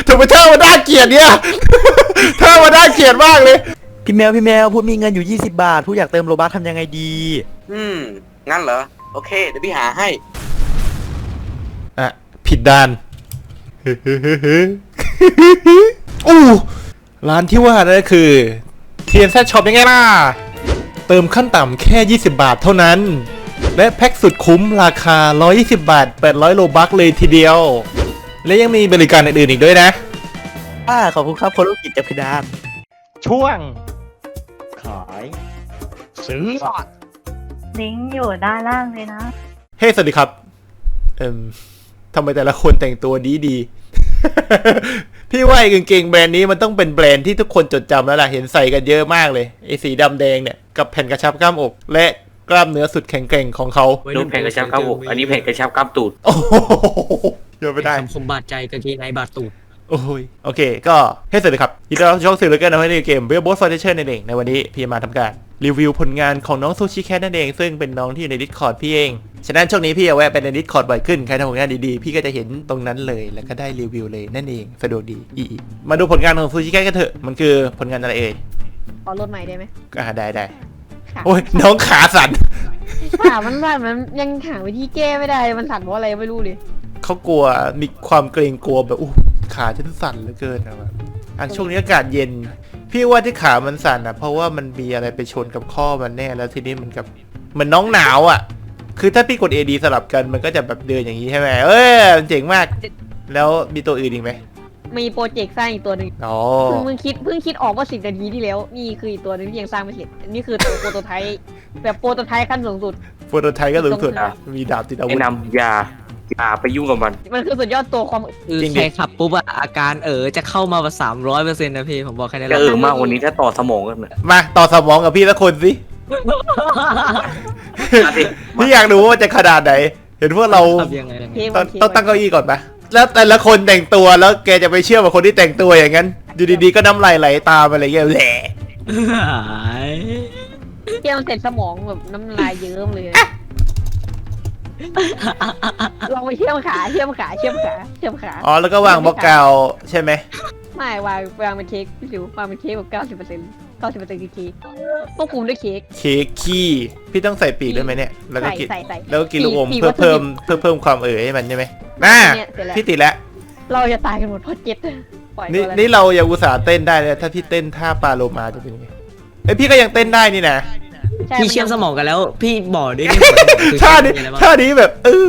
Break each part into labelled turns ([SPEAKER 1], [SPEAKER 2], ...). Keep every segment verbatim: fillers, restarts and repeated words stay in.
[SPEAKER 1] ทำไมเธอมาน่าเกลียดเนี่ยเธอมาน่าเกลียดมากเลย
[SPEAKER 2] พี่แมวพี่แมวพูดมีเงินอยู่ยี่สิบบาทพูดอยากเติมโลบัคทำยังไงดี
[SPEAKER 3] อืมงั้นเหรอโอเคเดี๋ยวพี่หาให้
[SPEAKER 1] อ่ะผิดด้านอู้ร้านที่ว่านั่นก็คือ ที เอ็น แซด Shop ยังไงล่ะเติมขั้นต่ำแค่ยี่สิบบาทเท่านั้นและแพ็กสุดคุ้มราคาหนึ่งร้อยยี่สิบบาทแปดร้อยโลบัคเลยทีเดียวและยังมีบริการอื่นๆอีกด้วยนะ
[SPEAKER 2] อ่าขอบคุณครับคนลูกกิจจับพิดาน
[SPEAKER 1] ช่วง
[SPEAKER 2] ขาย
[SPEAKER 1] ซื้อ
[SPEAKER 4] ลิงก์อยู่ด้านล่างเลยนะ
[SPEAKER 1] เฮ้ hey, สวัสดีครับเอ่มทำไมแต่ละคนแต่งตัวดีดี พี่ว่าไอ้กางเกงแบรนด์นี้มันต้องเป็นแบรนด์ที่ทุกคนจดจำแล้วล่ะเห็นใส่กันเยอะมากเลยไอ้สีดำแดงเนี่ยกับแผ่นกระชับกล้ามอกและกล้ามเนื้อสุดแข็งแกร่งของเขา
[SPEAKER 3] รูปแผ่นกระชับกล้ามอกอันนี้แผ่นกระชับกล้ามตูด
[SPEAKER 1] โอ้โหเยอะไม่ได้
[SPEAKER 5] คำคมบาดใจกางเกงในบาดตูด
[SPEAKER 1] โอ้ยโอเคก็ให้สวัสดีครับยินดีต้อนรับช่องสื่อเลยกันในเกม Rainbow Foundation นั่นเองในวันนี้พี่มาทำการรีวิวผลงานของน้องซูชิแคทนั่นเองซึ่งเป็นน้องที่อยู่ใน Discord พี่เองฉะนั้นช่วงนี้พี่เอาแวะไปใน Discord บ่อยขึ้นใครทำผลงานดีๆพี่ก็จะเห็นตรงนั้นเลยแล้วก็ได้รีวิวเลยนั่นเองสะดวกดีอีมาดูผลงานของซูชิแคทกันเถอะมันคือผลงานอะไรเอ่ย
[SPEAKER 4] ขอรถใหม่ได้ไหม
[SPEAKER 1] อ่าได้ได้โอ้ยน้องขาสั่น
[SPEAKER 4] ขามันสั่นมันยังหาวิธีแก้ไม่ได้มันสั่นเพราะอะไรไม่รู้เลย
[SPEAKER 1] เขากลัวมีความเกรงกลัวแบบอู้ขาฉันสั่นเหลือเกินนะอันช่วงนี้อากาศเย็นพี่ว่าที่ขามันสั่นอ่ะเพราะว่ามันมีอะไรไปชนกับข้อมันแน่แล้วทีนี้มันกับมันน้องหนาวอ่ะคือถ้าพี่กด เอ ดี สลับกันมันก็จะแบบเดินอย่างนี้ใช่ไหมเอ้ยเจ๋งมากแล้วมีตัวอื่นอีกไหม
[SPEAKER 4] มีโปรเจกต์สร้างอีกตัวหนึ่ง
[SPEAKER 1] อ๋อ
[SPEAKER 4] เพิ่งคิดเพิ่งคิดออกว่าสิบนาทีที่แล้วนี่คืออีกตัวหนึ่งที่ยังสร้างไม่เสร็จนี่คือตัวโปรโตไทป์แบบโปรโตไทป์ขั้นสูงสุด
[SPEAKER 1] โปรโตไทป์ก็สูงสุดอ่ะมีดาบติดอาวุธ
[SPEAKER 3] แนะนำยาอย่าไปยุ่งกับมัน
[SPEAKER 4] มันคือสุดยอดตัวความ
[SPEAKER 5] คือใครขับปุ๊บอะอาการเออจะเข้ามาแบบสามร้อยเปอร์เซ็นต์นะพี่ผมบอกแค่นี้แหละ
[SPEAKER 3] เออมากวันนี้ถ้าต่อสมองกัน
[SPEAKER 1] มาต่อสมองกับพี่ละคนสิพี่อยากรู้ว่าจะขนาดไหนเห็นพวกเราต้องตั้งเก้าอี้ก่อนปะแล้วแต่ละคนแต่งตัวแล้วแกจะไปเชื่อว่าคนที่แต่งตัวอย่างนั้นอยู่ดีๆก็น้ำลายไหลตามอะไรเงี้ยแหละ
[SPEAKER 4] เที่ยวเสร็จสมองแบบน้ำลายเยิ้มเลยลองไปเชื่อมขาเชื่อมขาเชื่อมขาเชื่อมขา
[SPEAKER 1] อ๋อแล้วก็วางบล็อกกาวใช่ไหม
[SPEAKER 4] ไม่วางวางเป็นเค้กพี่สิววางเป็นเค้กแบบเก้าสิบเปอร์เซ็นต์เก้าสิบเปอร์เซ็นต์คือเค้กควบคุมด้วยเค้ก
[SPEAKER 1] เค้กขี้พี่ต้องใส่ปีกด้วยไหมเนี่ยแล้วก็กินแล้วก็กินลูกอม
[SPEAKER 4] ปีก
[SPEAKER 1] เพื่อเพิ่มเพื่อเพิ่มความเอ๋ยให้มันใช่ไหมน่าพี่ติดแล้ว
[SPEAKER 4] เราจะตายกันหมดเพราะเจ็ต
[SPEAKER 1] นี่นี่เรายังอุตส่าห์เต้นได้เลยถ้าพี่เต้นท่าปลาโลมาจะเป็นยังไงเอ้ยพี่ก็ยังเต้นได้นี่นะ
[SPEAKER 5] พี่เชื่อมสมองกันแล้วพี่บอกด้วย
[SPEAKER 1] ท่านี้ท่านี้แบบเออ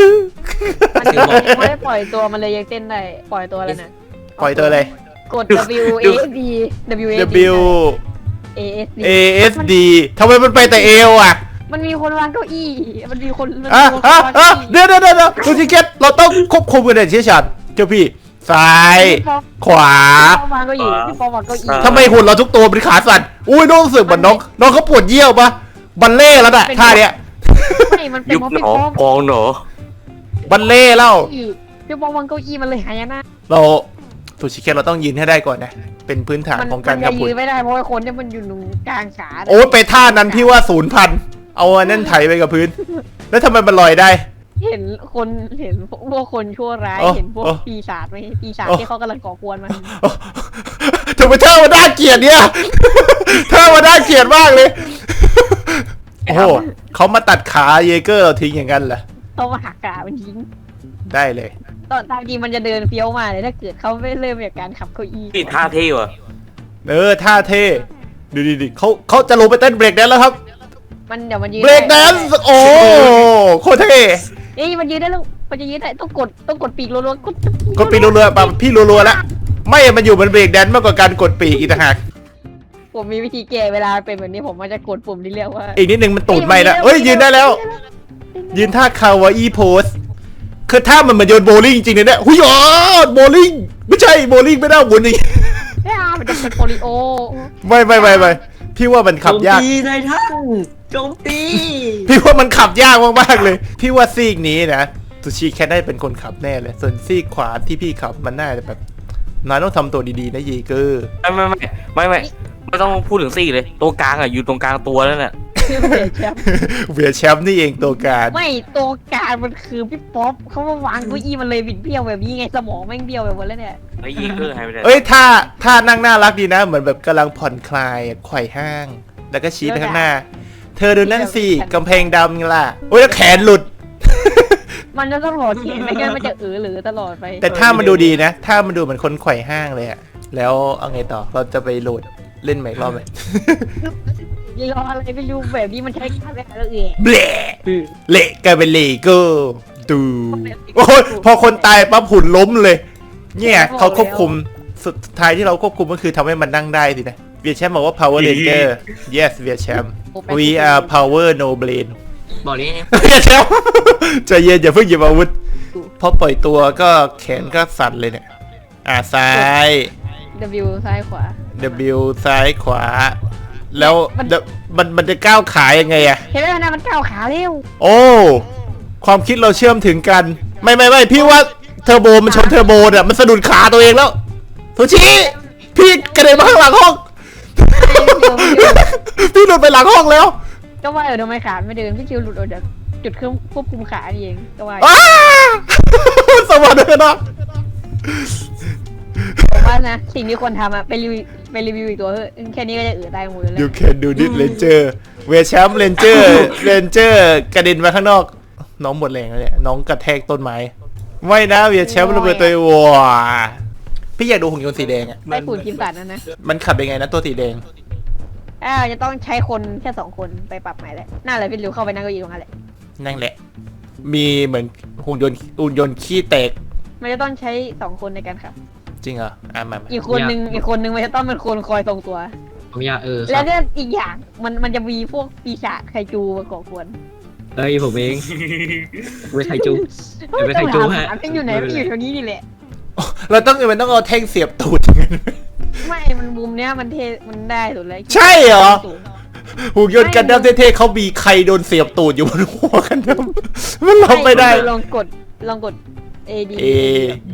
[SPEAKER 4] ไม่ได้ปล่อยตัวมันเลยยังเต้นได้ปล่อยตัวอะไรนะ
[SPEAKER 1] ปล่อยตัวอะไร
[SPEAKER 4] กด W A S D W
[SPEAKER 1] W
[SPEAKER 4] A S D
[SPEAKER 1] A S D ทำไมมันไปแต่เอวอ่ะ
[SPEAKER 4] มันมีคนวางเก้าอี้มันมีคน
[SPEAKER 1] อ่ะอ่ะอ่ะเดี๋ยวเดี๋ยวเดี๋ยวดูจิเก็ตเราต้องควบคุมกันอย่างเชี่ยวชาญเจ้าพี่ซ้ายขวาทำไมหุ่นเราทุกตัวเป็นขาสั่นอุ้ยน้องรู้สึกเหมือนน้องน้องเขาปวดเยี่ยวปะบัลเล่แล้วน่ะท่าเนี้ย
[SPEAKER 3] ยุบหนอกองหนอ
[SPEAKER 1] บัลเล่แล้ว
[SPEAKER 4] พี่บอลวางเก้าอี้มันเลยหายนะ
[SPEAKER 1] เราทูชิเคนเราต้องยืนให้ได้ก่อนนะเป็นพื้นฐานของการกระพุ้
[SPEAKER 4] นยืนไม่ได้เพราะว่าคนที่มันอยู่ตรงกลางขา
[SPEAKER 1] โอ้ไปท่านั้นพี่ว่าศูนย์พันเอาอันนั้นไถไปกับพื้นแล้วทำไมมันลอยได้
[SPEAKER 4] เห็นคนเห็นพวกคนชั่วร้ายเห็นพวกปีศาจไหมปีศาจที่เขากำลังก่อกวนมัน
[SPEAKER 1] ทำไมเธอมาด้าเกลียดเนี่ยเธอมาด้าเกลียดมากเลยโอ้โหเขามาตัดขาเยเกอร์เราทิ้งอย่างนั้นเหรอ
[SPEAKER 4] เขามาหักขามันทิ้ง
[SPEAKER 1] ได้เลย
[SPEAKER 4] ตอนตามจริงมันจะเดินเฟี้ยวมาเลยถ้าเกิดเขาไม่เริ่มจากการขับเก้าอี้
[SPEAKER 3] นี่ท่าเท่ว่ะ
[SPEAKER 1] เออท่าเท่ดูดิดิเขาเขาจะลงไปเต้นเบรกแดนแล้วครับ
[SPEAKER 4] มันเดี๋ยวมันยืน
[SPEAKER 1] เบรกแดนโอ้โคตรเท่
[SPEAKER 4] เอ้ยมันยืนได้แล้วมันจะยืนได้ต้องกดต้องกดปีกรัวๆกด
[SPEAKER 1] กดปีกรัวๆป่ะพี่รัวๆแล้วไม่มันอยู่บนเบรกแดนมากกว่าการกดปีกอีกต่างหาก
[SPEAKER 4] ผมมีวิธีแก้เวลาเป็นแบบนี้ผมมันจะกดปุ่มที่เรียกว่า
[SPEAKER 1] อีกนิดนึงมันตูดไม่ละเอ้ยยืนได้แล้วยืนท่าคาวาอีโพสคือท่ามันเหมือนโยนโบลิ่งจริงๆเลยเนี่ยหุยอ๋อโบลิ่งไม่ใช่โบลิ่งไม่ได้บุญนี่
[SPEAKER 4] ไม่เอามันจะเป็นโปลิโอ
[SPEAKER 1] ไม่ไม่ไม่ไม่พี่ว่ามันขับยาก
[SPEAKER 5] โจมตีนายท่านโจมตี
[SPEAKER 1] พี่ว่ามันขับยากมากๆเลยพี่ว่าซีกนี้นะซูชิแค่ได้เป็นคนขับแน่เลยส่วนซีกขวาที่พี่ขับมันน่าจะแบบนายต้องทำตัวดีๆนะเยเกอร์
[SPEAKER 3] ไม่ไม่ไม่ไม่ไม่ไม่ต้องพูดถึงซีกเลยตรงกลางอ่ะอยู่ตรงกลางตัวนั่นแหละ
[SPEAKER 4] เวียแชมป์
[SPEAKER 1] เวียแชมป์นี่เองตัวการ
[SPEAKER 4] ไม่ตัวการมันคือพี่ป๊อปเขามาวางเก้าอี้มันเลยบิดเบี้ยวแบบนี้ไงสมองแม่งเบี้ยวไปหมดแล้วเนี่ย
[SPEAKER 3] ไอ้ยีเกอร์หายไปไหน
[SPEAKER 1] เอ้ยท่าท่านั่งน่ารักดีนะ เหมือนแบบกำลังผ่อนคลายไขว่ห้าง แล้วก็ชี้ไปข้างหน้า เธอดูนั่นสิกำแพงดำไงล่ะโอ้ยแล้วแขนหลุด
[SPEAKER 4] มันจะต้องหลอดเขียนไม่งั้นมันจะเออหรือตลอดไป
[SPEAKER 1] แต่ถ้ามันดูดีนะถ้ามันดูเหมือนคนไขว่ห้างเลยอะแล้วเอาไงต่อเราจะไปโหลดเล่นใหม่อีกรอบไหม
[SPEAKER 4] ยี่รออะไรไม่รู้แบบนี้มันใช้การแบบแล้วเอะ
[SPEAKER 1] เบลเละกลายเป็นเลโก้ดูโอ้ยพอคนตายปั๊บหุ่นล้มเลย เนี่ยเขาควบคุมสุดท้ายที่เราควบคุมก็คือทำให้มันนั่งได้สินะเวียแชมป์บอกว่า power ranger yes เวียแชมป์ we are power no brain
[SPEAKER 5] บอกนี้
[SPEAKER 1] เวียแชมป์ใจเย็นอย่าเพิ่งหยิบอาวุธพอปล่อยตัวก็แขนก็สั่นเลยเนี่ยอ่าซ้าย
[SPEAKER 4] W ซ้ายขวา
[SPEAKER 1] W ซ้ายขวา แล้ว
[SPEAKER 4] มัน
[SPEAKER 1] มันมันจะก้าวขายังไงอะ
[SPEAKER 4] เห็นไหมนะมันก้าวขาเร็ว
[SPEAKER 1] โอ้ ความคิดเราเชื่อมถึงกัน ไม่ไม่ไม่พี่ว่าเทอร์โบมันชนเทอร์โบเนี่ยมันสะดุดขาตัวเองแล้วโทชิพี่กระเด็นมาข้างหลังห้อง พี่หลุดไปหลังห้องแล้ว
[SPEAKER 4] ก็ว่าเออทำไมขาไม่เดินพี่คิวหลุดออกจากจุดเครื่องควบคุมขานี่เองก็ว่า
[SPEAKER 1] อ้า สวัสดีนะ
[SPEAKER 4] ผมว่านะสิ่งที่ควรทำอะไปรีวิวไปรีวิวอีกตัวเถอะแค่นี้ก็จะเอือตายหมดแล้ว
[SPEAKER 1] You can do this Ranger เวชแชมป์ Ranger Ranger กระเด็นมาข้างนอก น้องหมดแรงแล้วเนี่ยน้องกระแทกต้นไม้ไม่นะเวียแชมป์ระเบิดตัวเองว้าพี่อยากดูหุ่นยนต์สีแดงอ่ะ
[SPEAKER 4] ไอ้ฝุ่นกินสัตว์นั่นนะ
[SPEAKER 1] มันขับยังไงนะตัวสีแดง
[SPEAKER 4] อ้าวจะต้องใช้คนแค่สองคนไปปรับใหม่แหละน่าเลยพี่ริวเข้าไปนั่งเก้าอี้ตรงนั้นแหละ
[SPEAKER 1] นั่นแหละ มีเหมือนหุ่นยนต์หุ่นยนต์ขี้แตก
[SPEAKER 4] มันจะต้องใช้สองคนในการขับ
[SPEAKER 1] จริงเหรออ่ะมามา
[SPEAKER 4] อีกคนนึงอีกคนนึงมันจะต้องเป็นคนคอยทรงตัว
[SPEAKER 5] ผมอยากเออค
[SPEAKER 4] แล้
[SPEAKER 5] รั
[SPEAKER 4] ว
[SPEAKER 5] บ
[SPEAKER 4] ก็อีกอย่างมันมันจะมีพวกปีศาจไคจูมาก่อกวน
[SPEAKER 5] เอ้ยผมเองเวทไทจู เดี๋ยวไปไคจู
[SPEAKER 4] ต้อง
[SPEAKER 5] ฮะ
[SPEAKER 4] หามันอยู่ไหนมันอยู่แถวนี้นี่แหละ
[SPEAKER 1] เราต้องมันต้องเอาแท่งเสียบตูดอย่างนั้น
[SPEAKER 4] ไม่ มันมุมเนี้ยมันเทมันได้สุดเลย
[SPEAKER 1] ใช่เหรอ หุ่นยนต์กันดั้มเท่ๆเขามีใครโดนเสียบตูดอยู่บนหัวกันดั้มมันลงไปได้
[SPEAKER 4] ลองกดลองกด A D
[SPEAKER 1] A D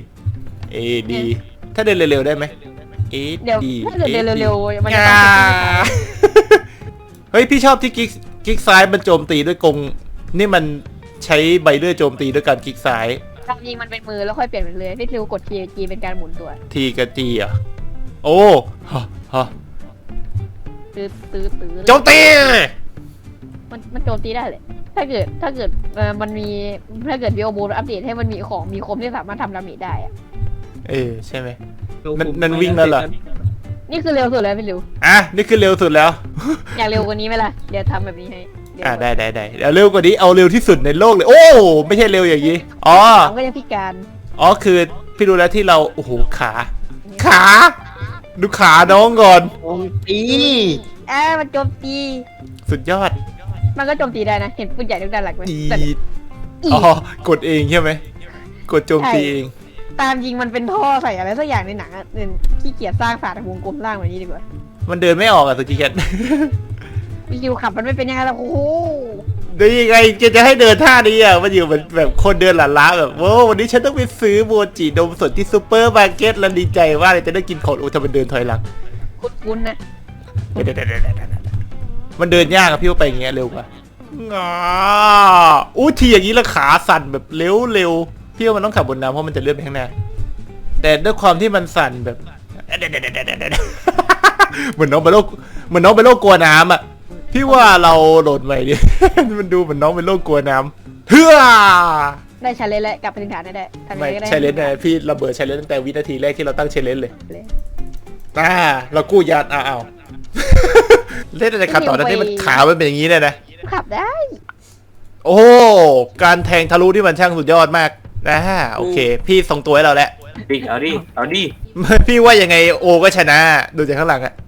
[SPEAKER 1] A D ถ้าเดินเร็วๆได้ไหม A
[SPEAKER 4] เดี๋ยว
[SPEAKER 1] D
[SPEAKER 4] ถ้าเกิดเดินเร็วๆมันจะ
[SPEAKER 1] อ่า
[SPEAKER 4] ต้อง
[SPEAKER 1] เฮ้ยพี่ชอบที่กิ๊กกิ๊กซ้ายมันโจมตีด้วยกงนี่มันใช้ใบเลื่อยโจมตีด้วยการกิ๊กซ้าย
[SPEAKER 4] ตามจริงมันเป็นมือแล้วค่อยเปลี่ยนเป็นเลยพี่ริวกด T G เป็นการหมุนตัว
[SPEAKER 1] ทีกับจีอ่ะโอ้ฮะฮะ
[SPEAKER 4] ตื้อตื้อตื้อ
[SPEAKER 1] โจมตี
[SPEAKER 4] มันมันโจมตีได้เลยถ้าเกิดถ้าเกิดเออมันมีถ้าเกิดวิโอโบอัปเดตให้มันมีของมีคมที่สามารถทำดาเมจได้อะ
[SPEAKER 1] เออใช่ไหม นั่นนั่นวิ่งแล้วเหรอ
[SPEAKER 4] นี่คือเร็วสุดแล้วพี่ริว
[SPEAKER 1] อ่ะนี่คือเร็วสุดแล้ว
[SPEAKER 4] อยากเร็วกว่านี้ไหมล่ะเดี๋ยวทำแบบนี้ให้เยว
[SPEAKER 1] อ่ะได้ได้ได้เดี๋ยวเร็วกว่านี้เอาเร็วที่สุดในโลกเลย โอ้ไม่ใช่เร็วอย่างนี้อ๋อ
[SPEAKER 4] ผมก็ยังพิการ
[SPEAKER 1] อ๋อคือพี่รู้แล้วที่เราโอ้โหขา ขาดูขาน้องก่อน
[SPEAKER 5] ตี
[SPEAKER 4] เอ้ามันโจมตี
[SPEAKER 1] สุดยอด
[SPEAKER 4] มันก็โจมตีได้นะ เห็นปืนใหญ่ทุกด้านหลักไหม
[SPEAKER 1] อี
[SPEAKER 4] แต่
[SPEAKER 1] อ๋อกดเองใช่ไหมกดโจมตีเอง
[SPEAKER 4] ตามจริงมันเป็นท่อใส่อะไรสักอย่างในหนังอ่ะเออขี้เกียจสร้างฝาทางวงกลมสร้างแบบนี้ดีกว่า
[SPEAKER 1] มันเดินไม่ออกอะสุจิเคน
[SPEAKER 4] วิวขับมันไม่เป็นยังไงล่ะโอ้โห
[SPEAKER 1] ได้ยังไงจะจะให้เดินท่านี้อ่ะมันอยู่เหมือนแบบคนเดินหลาล้าแบบโว้วันนี้ฉันต้องไปซื้อโมจินมสดที่ซูเปอร์มาร์เก็ตแล้วดีใจว่าเลยจะได้กินของโอ้ทำไมเดินถอยหลัง
[SPEAKER 4] คุ้นๆนะ
[SPEAKER 1] เดี๋ยวเดี๋ยวเดี๋ยวเดี๋ยวเดี๋ยวมันเดินยากอะพี่ว่าไปอย่างเงี้ยเร็วกว่างออู้ทีอย่างนี้แล้วขาสั่นแบบเร็วเร็วพี่ว่ามันต้องขับบนน้ำเพราะมันจะเลื่อนไปข้างหน้าแต่ด้วยความที่มันสั่นแบบเดี๋ยวเดี๋ยวเดี๋ยวเดี๋ยวเดี๋ยวเหมือนน้องเป็นโรคเหมือนน้องเป็นโรคกลัวน้ำอะพี่ว่าเราโหลดใหม่ดิ มันดูเหมือนน้องเป็นโรคกลัวน้ำเฮ้อ
[SPEAKER 4] ได้ชาเลนจ์แล้วกลับไปถึงฐานได้ได้ทำยัง
[SPEAKER 1] ไม่
[SPEAKER 4] ไงก็ได้
[SPEAKER 1] ใช่เลนส์นะพี่ระเบิดใช้เลนส์ตั้งแต่วินาทีแรกที่เราตั้งเชลเลนเลย
[SPEAKER 4] เลย
[SPEAKER 1] อ่าเรากู้ยานอ้าวอ้าว เล่นอะไรขับต่อนะที่มันขามันเป็นอย่างนี้เลยนะ
[SPEAKER 4] ขับได้
[SPEAKER 1] โอ้การแทงทะลุที่มันช่างสุดยอดมากนะโอเค พี่ส่งตัวให้เราแล้ว
[SPEAKER 3] ดิเอาดิเอาดิ
[SPEAKER 1] พี่ว่ายังไงโอก็ชนะดูจากข้างหลังอะ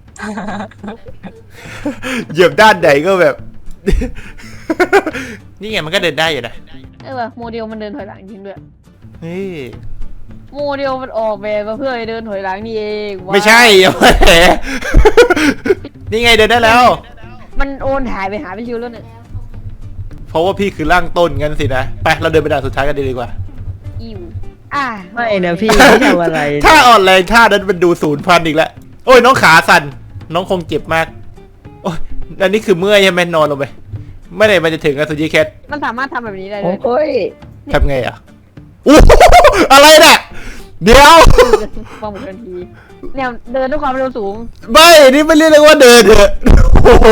[SPEAKER 1] เหยียบด้านใดก็แบบ นี่ไงมันก็เดินได้อยู่นะ
[SPEAKER 4] เออว่ะโมเดลมันเดินถอยหลังจริงด้วย
[SPEAKER 1] นี่
[SPEAKER 4] โมเดลมันออกแบบมาเพื่อให้เดินถอยหลังนี่เองว้าว
[SPEAKER 1] ไม่ใช่อย่ามาแหม นี่ไงเดินได้แล้ว
[SPEAKER 4] มันโอนถ่ายไปหาพี่ชิวแล้วเนี่ย
[SPEAKER 1] เพราะว่าพี่คือร่างต้นงั้นสินะไปเราเดินไปด่านสุดท้ายกันดีกว่า
[SPEAKER 4] อิวอ่ะ
[SPEAKER 2] ไม่นะพี่ไม่ทำอะไร
[SPEAKER 1] ถ้าอ่อนแรงท่านั้นมันดูศูนย์พันอีกแล้วโอ้ยน้องขาสั่นน้องคงเจ็บมากโอ้ยอันนี้คือเมื่อยใช่ไหมนอนลงไปไม่ได้มันจะถึงกับซูชิแคท
[SPEAKER 4] มันสามารถทำแบบนี้ได้เลย
[SPEAKER 2] โอ้ย
[SPEAKER 1] ทำไงอ่ะอู้หูอะไรเนี่ยเดี๋ยว
[SPEAKER 4] วางหมดทันทีเนี่ยเดินด้วยความเร็วสูง
[SPEAKER 1] ไม่นี่ไม่เรียกว่าเดินเถอะโอ้โห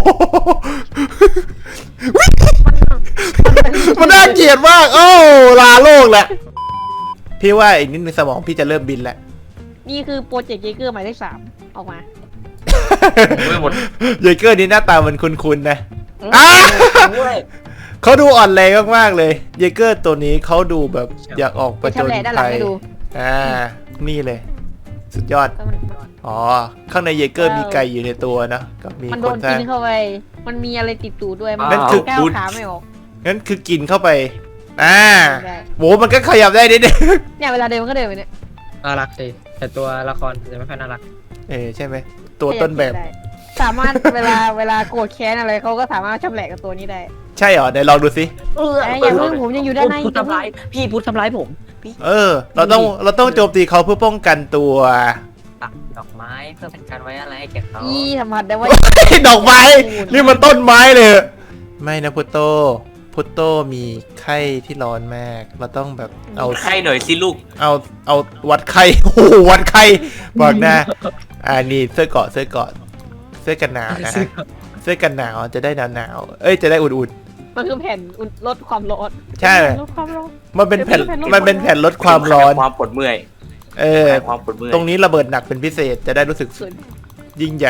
[SPEAKER 1] มันน่าเกลียดมากโอ้ลาโลกแหละพี่ว่าอีกนิดนึงสมองพี่จะเริ่มบินแล้ว
[SPEAKER 4] นี่คือโปรเจกต์เยเกอร์หมายเลขสามออกมา
[SPEAKER 3] ไม่หมด
[SPEAKER 1] เยเกอร์นี่หน้าตามันคุ้นๆนะอ่ะเขาดูอ่อนแรงมากๆเลยเยเกอร์ตัวนี้เขาดูแบบอยากออกประจน
[SPEAKER 4] ไปชำแหละด้านหลั
[SPEAKER 1] ภั
[SPEAKER 4] ง
[SPEAKER 1] ย
[SPEAKER 4] ให้ดู
[SPEAKER 1] อ่านี่เลย สุดยอด
[SPEAKER 4] ก็มัน
[SPEAKER 1] อ๋อ ข้างในเยเกอร์มีไก่อยู่ในตัวนะก็มี
[SPEAKER 4] มัน
[SPEAKER 1] ค
[SPEAKER 4] โด
[SPEAKER 1] น
[SPEAKER 4] น
[SPEAKER 1] สร้า
[SPEAKER 4] กิ
[SPEAKER 1] ง
[SPEAKER 4] นเข้าไป มันมีอะไรติดตูดด้วย มัน
[SPEAKER 1] นั่นคือ
[SPEAKER 4] ก้าวขาไม่ออก
[SPEAKER 1] งั้นคือกินเข้าไปอ่า
[SPEAKER 4] ได้
[SPEAKER 1] โหมันก็ขยับได้นิดนึง
[SPEAKER 4] เนี่ยเวลาเดินมันก็เดินไปเนี่ย
[SPEAKER 5] น่ารักสิแต่ตัวละครจะไม่ค่อยน่ารัก
[SPEAKER 1] เออใช่ไหมตัวต้นแบบ
[SPEAKER 4] ได้สามารถเวลาเวลาโกรธแค้นอะไรเขาก็สามารถชำแหละกับตัวนี้ได้
[SPEAKER 1] ใช่เหรอไหนลองดูสิ
[SPEAKER 2] เออ
[SPEAKER 4] แต่อย่าเพิ่งผมยังอยู่ด้านใน
[SPEAKER 2] พูดทำร้ายพี่พูดทำร้ายผมพี่
[SPEAKER 1] เออ เราต้องเราต้องโจมตีเขาเพื่อป้องกันตัว
[SPEAKER 5] ตัดดอกไม้เพื่อเป็นการไว้อะไรให้แก่เขา
[SPEAKER 4] อีสัมผัสได้ว่า
[SPEAKER 1] ดอกไม้นี่มันต้นไม้เลยไม่นะพุตโตพุตโตมีไข้ที่ร้อนมาก เราต้องแบบเอา
[SPEAKER 3] ไข้หน่อยสิลูก
[SPEAKER 1] เอาเอาวัดไข้ โอ้โหวัดไข้บอกนะอ่านี่เสื้อเกราะเสื้อเกราะเสื้อกันหนาวนะฮะเสื้อกันหนาวจะได้หนาวหนาวๆเอ้ยจะได้อุ่น
[SPEAKER 4] มันคือแผ่นอุ่นลดความร้อน
[SPEAKER 1] ๆใช่
[SPEAKER 4] ลดความร้อน
[SPEAKER 1] มันเป็นแผ่น
[SPEAKER 4] เดี๋ยว
[SPEAKER 1] มันเป็นแผ่นลดความร้อน
[SPEAKER 3] ความปวดเมื่อย
[SPEAKER 1] เออ
[SPEAKER 3] ความปวดเมื่อย
[SPEAKER 1] ตรงนี้ระเบิดหนักเป็นพิเศษจะได้รู้สึก
[SPEAKER 4] สุด
[SPEAKER 1] ยิ่งใหญ่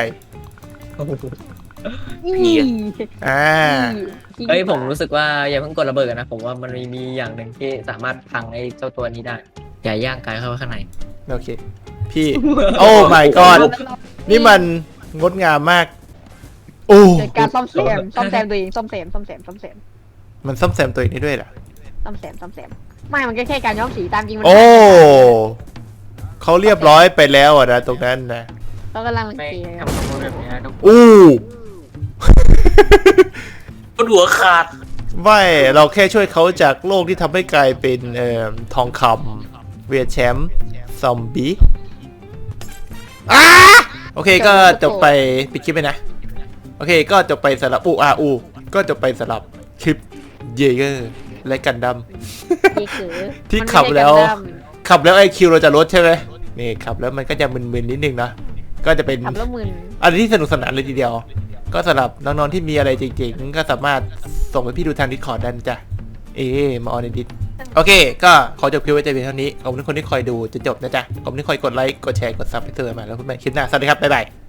[SPEAKER 4] อี
[SPEAKER 1] อ่า
[SPEAKER 5] เฮ้ยผมรู้สึกว่าอย่าเพิ่งกดระเบิดกันนะผมว่ามันมีมีอย่างหนึ่งที่สามารถพังไอ้เจ้าตัวนี้ได้อย่าย่างกายเข้าไปข้างใน
[SPEAKER 1] โอเค พี่ โอ้ my god นี่มันงดงามมาก โอ้
[SPEAKER 4] เกิดการซ่อมแซมซ่อมแซมตัวเองซ่อมแซมซ่อมแซมซ่อมแซม
[SPEAKER 1] มันซ่อมแซมตัวเองได้ด้วยเหรอ
[SPEAKER 4] ซ่อมแซมซ่อมแซมไม่มันก็แค่การย้อมสีตามจริงมัน
[SPEAKER 1] โอ้เขาเรียบร้อยไปแล้วอ่ะนะตรงนั้นนะ
[SPEAKER 4] เขากำลังรัง
[SPEAKER 5] ไม่
[SPEAKER 4] เกียจ
[SPEAKER 5] ทำตัวแบบนี้ต้อง
[SPEAKER 1] อู้
[SPEAKER 3] ปวดหัวขาด
[SPEAKER 1] ไม่เราแค่ช่วยเขาจากโลกที่ทำให้กลายเป็นเอ่อทองคำเวียดแชมป์ซอมบี้อ่าโอเคก็จบไปปิดคลิปไปนะ โอเคก็จบไปสำหรับอูอาอูก็จบไปสำหรับคลิปเยเกอร์และกันดั้ม
[SPEAKER 4] เยเก๋อ
[SPEAKER 1] ที่
[SPEAKER 4] มันไม่
[SPEAKER 1] ขับ
[SPEAKER 4] ใช่
[SPEAKER 1] แล้ว
[SPEAKER 4] กันดั้ม
[SPEAKER 1] ขับแล้วไอคิวเราจะลดใช่ไหมนี่ขับแล้วมันก็จะมึนๆนิดนึงนะก็จะเป็น
[SPEAKER 4] ขับแล้วมึน
[SPEAKER 1] อะไรที่สนุกสนานเลยทีเดียว ก็สำหรับน้องๆที่มีอะไรจริงๆก็สามารถส่งไปพี่ดูทางดิสคอร์ดได้นะจ้ะเอ๊ะมาออนในดิสโอเค ก็ขอจบคลิปไว้แต่เพียงเท่านี้ขอบคุณทุกคนที่คอยดูจนจบนะจ๊ะขอบคุณที่คอยกดไลค์กดแชร์กดซับให้เธอมาแล้วพบกันใหม่คลิปหน้าสวัสดีครับบ๊ายบาย